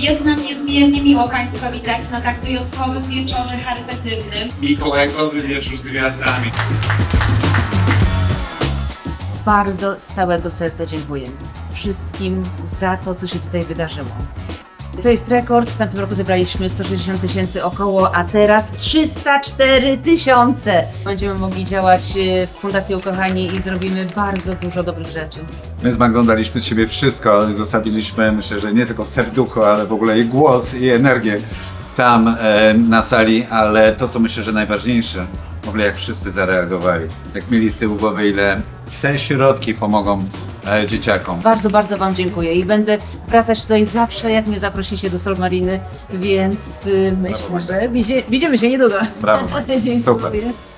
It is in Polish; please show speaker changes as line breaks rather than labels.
Jest nam niezmiernie miło Państwa witać na tak wyjątkowym wieczorze charytatywnym.
Mikołajkowy wieczór z gwiazdami.
Bardzo z całego serca dziękuję wszystkim za to, co się tutaj wydarzyło. To jest rekord, w tamtym roku zebraliśmy 160 000 około, a teraz 304 000. Będziemy mogli działać w Fundacji Ukochani i zrobimy bardzo dużo dobrych rzeczy.
My z Magdą daliśmy z siebie wszystko, ale zostawiliśmy, myślę, że nie tylko serducho, ale w ogóle i głos, i energię tam na sali, ale to, co myślę, że najważniejsze, w ogóle jak wszyscy zareagowali, jak mieli z tyłu głowy, ile te środki pomogą dzieciakom.
Bardzo, bardzo Wam dziękuję i będę wracać tutaj zawsze, jak mnie zaprosicie do Solmariny, więc myślę, że widzimy się niedługo.
Brawo.
Dziękuję.
Super.